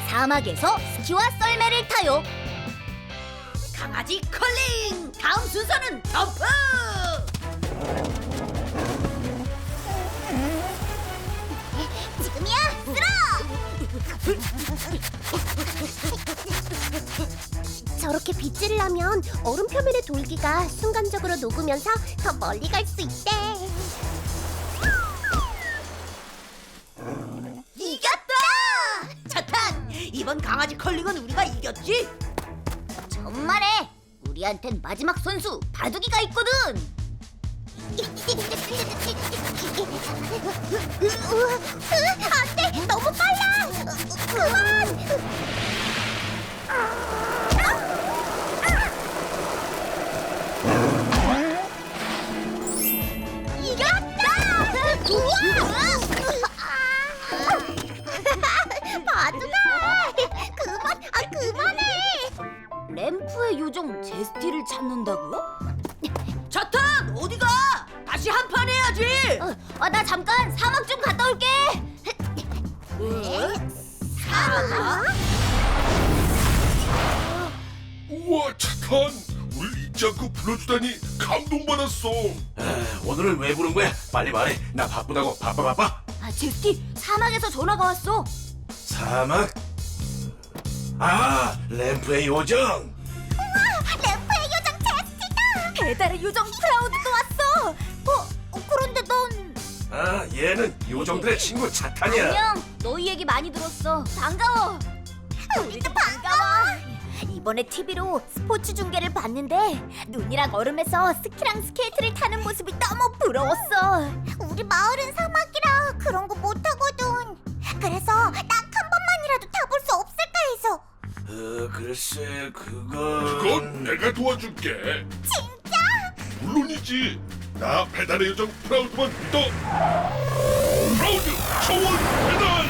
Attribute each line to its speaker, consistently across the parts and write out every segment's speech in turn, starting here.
Speaker 1: 사막에서 스키와 썰매를 타요.
Speaker 2: 강아지 컬링! 다음 순서는 덤프!
Speaker 1: 지금이야, 쓸어! 저렇게 빗질을 하면 얼음 표면의 돌기가 순간적으로 녹으면서 더 멀리 갈 수 있대.
Speaker 2: 이겼다! 차탄! 이번 강아지 컬링은 우리가 이겼지?
Speaker 1: 정말해! 우리한텐 마지막 선수 바둑이가 있거든! 안돼! 너무 빨라! 그만! 이겼다! 우와! 바둑아! 그만해! 램프의 요정 제스티를 찾는다고요?
Speaker 2: 차탄! 어디가? 다시 한 판 해야지!
Speaker 1: 나 잠깐 사막 좀 갔다 올게.
Speaker 2: 사막?
Speaker 3: 우와, 차탄! 우릴 잊지 않고 불러주다니 감동받았어.
Speaker 4: 오늘은 왜 부른 거야? 빨리 말해. 나 바쁘다고. 바빠.
Speaker 1: 제스티, 사막에서 전화가 왔어.
Speaker 4: 사막? 램프의 요정.
Speaker 1: 램프의 요정 제스티다. 배달의 요정 프라우드도 왔어. 그런데 넌...
Speaker 4: 얘는 요정들의 친구 차탄이야.
Speaker 1: 안녕. 너희 얘기 많이 들었어. 반가워. 우리도 반가워. 이번에 TV로 스포츠 중계를 봤는데 눈이랑 얼음에서 스키랑 스케이트를 타는 모습이 너무 부러웠어. 우리 마을은 사막이라 그런 거 못하거든. 그래서 딱 한 번만이라도 타볼 수 없을까 해서.
Speaker 4: 글쎄,
Speaker 3: 그건 내가 도와줄게.
Speaker 1: 진짜?
Speaker 3: 물론이지. 나 배달의 요정 프라우드만 믿어. 프라우드 초원 배달!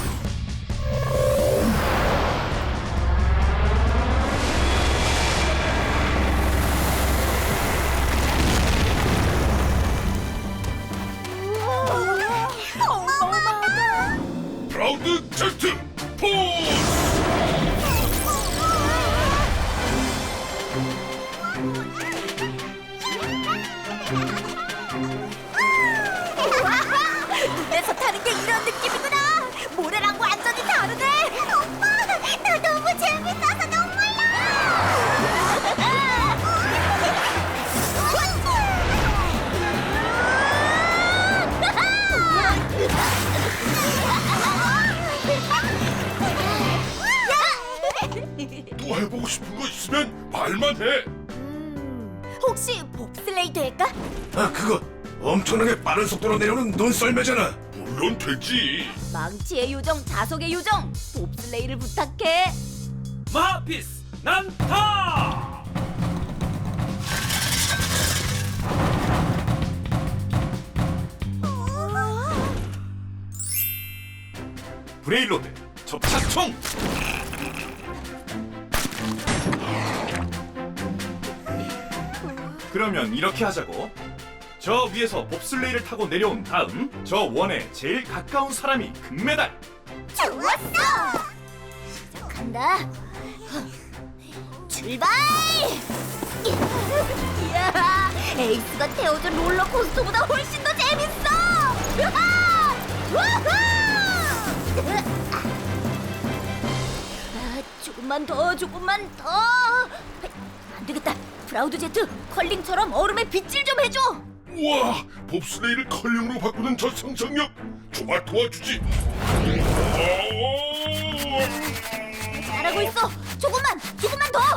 Speaker 1: 어마어마하다.
Speaker 3: 프라우드 제스트 포스!
Speaker 1: 물에서 타는 게 이런 느낌이구나. 모래랑 완전히 다르네. 오빠, 나 너무 재밌어서 눈물
Speaker 3: 또 해보고 싶은 거 있으면 말만 해.
Speaker 1: 혹시 봅슬레이 될까?
Speaker 4: 그거 엄청나게 빠른 속도로 내려오는 눈썰매잖아.
Speaker 3: 물론 되지.
Speaker 1: 망치의 요정, 자석의 요정, 봅슬레이를 부탁해.
Speaker 5: 마하피스 난타! 브레일로드 접착총! 그러면 이렇게 하자고. 저 위에서 봅슬레이를 타고 내려온 다음 저 원에 제일 가까운 사람이 금메달.
Speaker 1: 좋았어. 시작한다. 출발! 이야, 에이스가 태워준 롤러코스터보다 훨씬 더 재밌어. 우와! 우후! 조금만 더. 안 되겠다. 프라우드 제트, 컬링처럼 얼음에 빗질 좀 해줘.
Speaker 3: 우와, 봅슬레이를 컬링으로 바꾸는 저 상상력 정말 도와주지.
Speaker 1: 잘하고 있어. 조금만 더.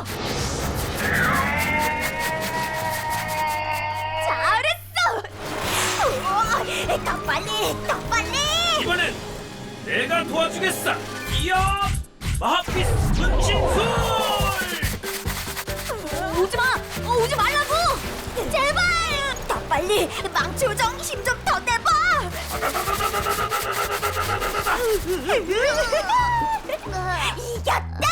Speaker 1: 잘했어. 우와, 더 빨리.
Speaker 5: 이번엔 내가 도와주겠어. 이야! 마하피스 분신술!
Speaker 1: 오지 말라고. 제발. 더 빨리. 망치 요정 힘 좀 더 내봐. 이겼다.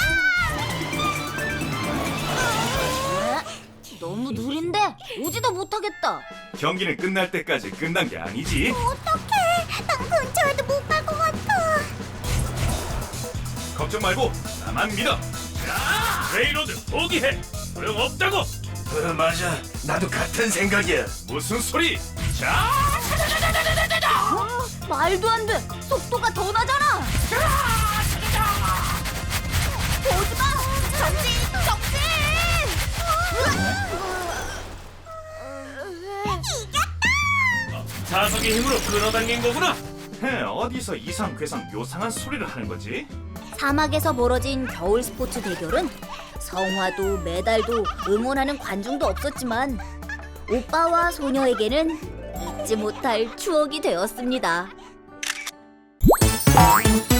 Speaker 1: 너무 느린데 오지도 못하겠다.
Speaker 5: 경기는 끝날 때까지 끝난 게 아니지.
Speaker 1: 어떡해. 난 근처에도 못 갈 것 같아.
Speaker 5: 걱정 말고 나만 믿어. 자, 레이로드 포기해. 소용없다고.
Speaker 4: 맞아. 나도 같은 생각이야.
Speaker 5: 무슨 소리? 자,
Speaker 1: 말도 안 돼. 속도가 더 나잖아. 보지 마. 정신, 정신.
Speaker 5: 자석의 힘으로 끌어당긴 거구나. 어디서 이상괴상 묘상한 소리를 하는 거지?
Speaker 1: 사막에서 벌어진 겨울 스포츠 대결은 성화도 메달도 응원하는 관중도 없었지만 오빠와 소녀에게는 잊지 못할 추억이 되었습니다.